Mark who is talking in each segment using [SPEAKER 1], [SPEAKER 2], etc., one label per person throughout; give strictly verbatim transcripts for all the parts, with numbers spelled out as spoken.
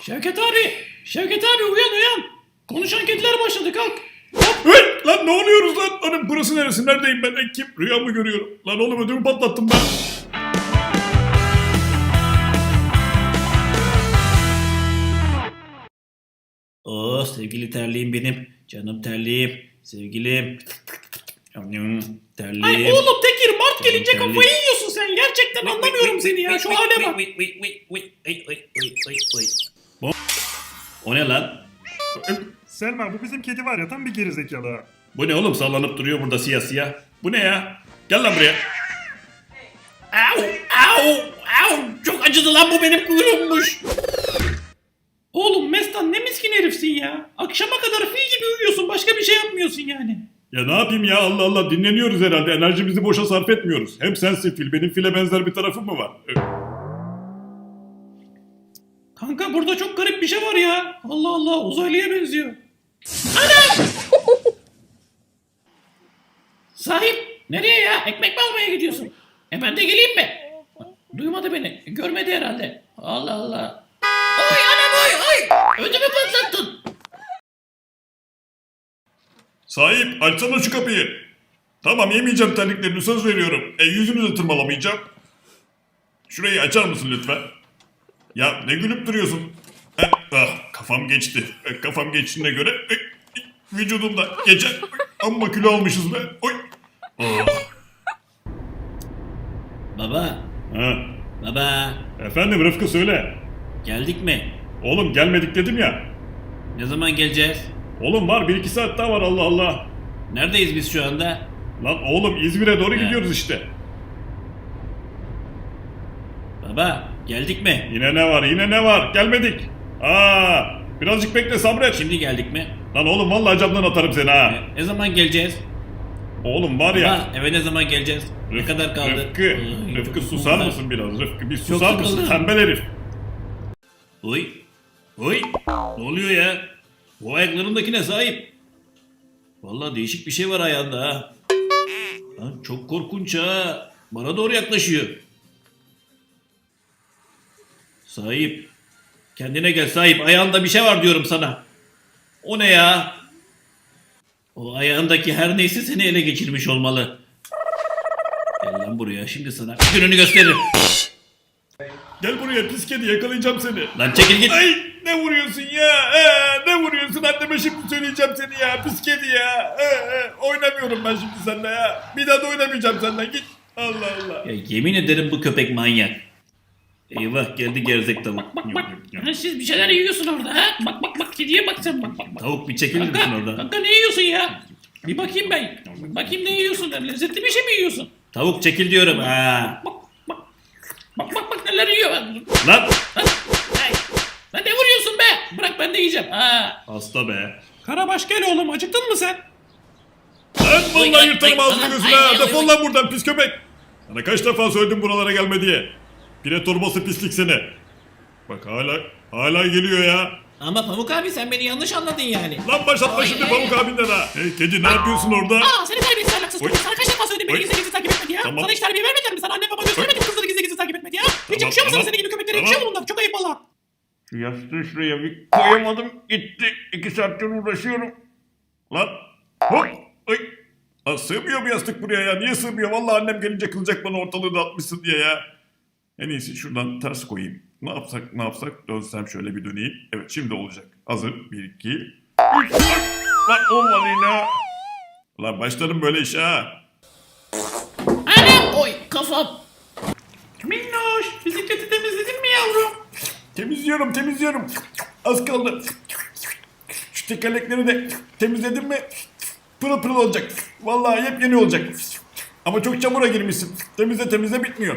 [SPEAKER 1] Şevket abi, Şevket abi uyan uyan. Konuşan kediler başladı kalk.
[SPEAKER 2] Hey, lan ne oluyoruz lan? Lan burası neresi? Neredeyim ben? E, kim? Rüya mı görüyorum? Lan oğlum ödümü patlattım ben.
[SPEAKER 1] Oo sevgili terliğim benim. Canım terliğim. Sevgilim. Terliğim.
[SPEAKER 3] Ay oğlum Tekir Mart gelince
[SPEAKER 1] Terlik.
[SPEAKER 3] kafayı yiyorsun sen. Gerçekten anlamıyorum seni ya. Şu hale bak.
[SPEAKER 1] O ne lan?
[SPEAKER 4] Selma bu bizim kedi var ya tam bir gerizekalı ha.
[SPEAKER 2] Bu ne oğlum? Sallanıp duruyor burada siyah siyah. Bu ne ya? Gel lan buraya.
[SPEAKER 3] Au au au. Çok acıdı lan bu benim kuyruğummuş. Oğlum Mestan ne miskin herifsin ya. Akşama kadar fil gibi uyuyorsun. Başka bir şey yapmıyorsun yani.
[SPEAKER 2] Ya ne yapayım ya? Allah Allah, dinleniyoruz herhalde. Enerjimizi boşa sarf etmiyoruz. Hem sensin fil. Benim file benzer bir tarafım mı var? Ee,
[SPEAKER 3] Kanka burada çok garip bir şey var ya. Allah Allah uzaylıya benziyor. Anam! Sahip nereye ya? Ekmek mi almaya gidiyorsun? E ben de geleyim mi? Duymadı beni. Görmedi herhalde. Allah Allah. Oy anam oy oy. Ödümü patlattın.
[SPEAKER 2] Sahip, açsana şu kapıyı. Tamam, yemeyeceğim terliklerini, söz veriyorum. E yüzünü de tırmalamayacağım. Şurayı açar mısın lütfen? Ya ne gülüp duruyorsun? Heh, ah, kafam geçti. E, kafam geçtiğine göre e, e, vücudumda geçen amma kilo almışız be. Oy. Oh.
[SPEAKER 1] Baba,
[SPEAKER 2] Ha.
[SPEAKER 1] baba.
[SPEAKER 2] Efendim Rıfkı, söyle.
[SPEAKER 1] Geldik mi?
[SPEAKER 2] Oğlum gelmedik dedim ya.
[SPEAKER 1] Ne zaman geleceğiz?
[SPEAKER 2] Oğlum var, bir iki saat daha var, Allah Allah.
[SPEAKER 1] Neredeyiz biz şu anda?
[SPEAKER 2] Lan oğlum İzmir'e doğru
[SPEAKER 1] He.
[SPEAKER 2] gidiyoruz işte.
[SPEAKER 1] Baba, geldik mi?
[SPEAKER 2] Yine ne var, yine ne var? Gelmedik. Aa, birazcık bekle, sabret.
[SPEAKER 1] Şimdi geldik mi?
[SPEAKER 2] Lan oğlum vallahi camdan atarım seni ha.
[SPEAKER 1] E, ne zaman geleceğiz?
[SPEAKER 2] Oğlum var ya.
[SPEAKER 1] Baba, eve ne zaman geleceğiz? Ne kadar kaldı?
[SPEAKER 2] Rıfkı,
[SPEAKER 1] Ay,
[SPEAKER 2] Rıfkı
[SPEAKER 1] çok
[SPEAKER 2] susar
[SPEAKER 1] güzel.
[SPEAKER 2] mısın biraz? Rıfkı bir susar
[SPEAKER 1] Çok
[SPEAKER 2] mısın?
[SPEAKER 1] sıkıldım.
[SPEAKER 2] Tembel herif.
[SPEAKER 1] Oy. Oy. Ne oluyor ya? Bu ayaklarındakine sahip. Vallahi değişik bir şey var ayağında ha. Lan çok korkunç ha. Bana doğru yaklaşıyor. Sahip. Kendine gel sahip. Ayağında bir şey var diyorum sana. O ne ya? O ayağındaki her neyse seni ele geçirmiş olmalı. Gel lan buraya. Şimdi sana gününü gösteririm.
[SPEAKER 2] Gel buraya pis kedi, yakalayacağım seni.
[SPEAKER 1] Lan çekil git.
[SPEAKER 2] Ay ne vuruyorsun ya? Ee, ne vuruyorsun? Anneme şimdi söyleyeceğim seni ya. Pis kedi ya. Ee, e, oynamıyorum ben şimdi seninle ya. Bir daha da oynamayacağım seninle. Git. Allah Allah.
[SPEAKER 1] Ya yemin ederim bu köpek manyak. Eyvah geldi gerzek tavuk.
[SPEAKER 3] Bak bak. Ha, siz bir şeyler yiyorsun orada ha. Bak bak bak kediye bak sen bak bak. bak.
[SPEAKER 1] Tavuk bir çekilir misin
[SPEAKER 3] Kanka,
[SPEAKER 1] oradan?
[SPEAKER 3] kanka ne yiyorsun ya? Bir bakayım ben. Bakayım ne yiyorsun? Lezzetli bir şey mi yiyorsun?
[SPEAKER 1] Tavuk çekil diyorum ha.
[SPEAKER 3] Bak bak. Bak bak bak neler yiyor. Lan.
[SPEAKER 2] Lan.
[SPEAKER 3] Ay. Lan ne vuruyorsun be? Bırak ben de yiyeceğim. Ha.
[SPEAKER 2] Hasta be.
[SPEAKER 3] Karabaş gel oğlum acıktın mı sen?
[SPEAKER 2] Lan
[SPEAKER 1] Oy,
[SPEAKER 2] vallahi
[SPEAKER 1] ay,
[SPEAKER 2] yırtarım
[SPEAKER 1] ay,
[SPEAKER 2] ağzını
[SPEAKER 1] ay,
[SPEAKER 2] gözüne.
[SPEAKER 1] ay,
[SPEAKER 2] ha.
[SPEAKER 1] ay,
[SPEAKER 2] Defol
[SPEAKER 1] ay.
[SPEAKER 2] lan buradan pis köpek. Sana kaç defa söyledim buralara gelme diye. Pire torbası pislik seni. Bak hala hala geliyor ya.
[SPEAKER 1] Ama Pamuk abi sen beni yanlış anladın yani.
[SPEAKER 2] Lan başlatma
[SPEAKER 1] Ay,
[SPEAKER 2] şimdi
[SPEAKER 1] ay,
[SPEAKER 2] Pamuk
[SPEAKER 1] ay.
[SPEAKER 2] abinden ha. Hey kedi, ne yapıyorsun orada?
[SPEAKER 3] Aa seni terbiyesiz ahlaksız
[SPEAKER 2] Oy.
[SPEAKER 3] köpek. Sana kaç defa söyledim beni
[SPEAKER 2] Oy.
[SPEAKER 3] gizli gizli takip etme diye.
[SPEAKER 2] Tamam.
[SPEAKER 3] Sana hiç terbiye vermediler mi? Sana anne baba göstermedi mi kızları gizli gizli takip etme diye? Hiç
[SPEAKER 2] Tamam,
[SPEAKER 3] yakışıyor mu sana
[SPEAKER 2] tamam.
[SPEAKER 3] senin gibi köpeklere?
[SPEAKER 2] Tamam.
[SPEAKER 3] Yakışıyor mu bunlar? Çok ayıp valla.
[SPEAKER 2] Şu yastığı şuraya bir koyamadım, gitti. İki saattir uğraşıyorum. Lan hop. Ay. Lan sığmıyor bu yastık buraya ya. Niye sığmıyor? Vallahi annem gelince kılacak bana, ortalığı dağıtmışsın diye ya. En iyisi şuradan ters koyayım. Ne yapsak ne yapsak, dönsem şöyle bir döneyim. Evet şimdi olacak. Hazır. Bir iki. Üç. Lan olmadı yine. Lan başlarım böyle işe ha.
[SPEAKER 3] Anam oy kafam. Minnoş bisikleti temizledin mi yavrum?
[SPEAKER 2] Temizliyorum temizliyorum. Az kaldı. Şu tekerlekleri de temizledim mi pırıl pırıl olacak. Vallahi yepyeni olacak. Ama çok çamura girmişsin. Temizle temizle bitmiyor.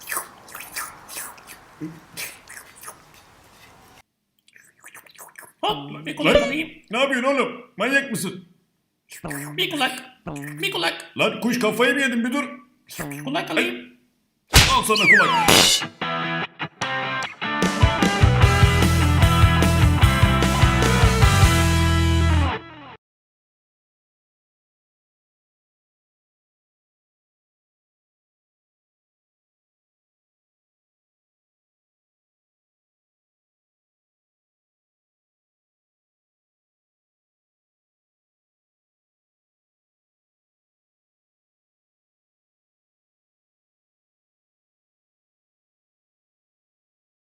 [SPEAKER 3] Hop bir kulak
[SPEAKER 2] Lan
[SPEAKER 3] alayım.
[SPEAKER 2] ne yapıyorsun oğlum? Manyak mısın?
[SPEAKER 3] Bir kulak. Bir kulak.
[SPEAKER 2] Lan kuş kafayı mı yedin, bir dur.
[SPEAKER 3] Kulak alayım.
[SPEAKER 2] Al sana kulak.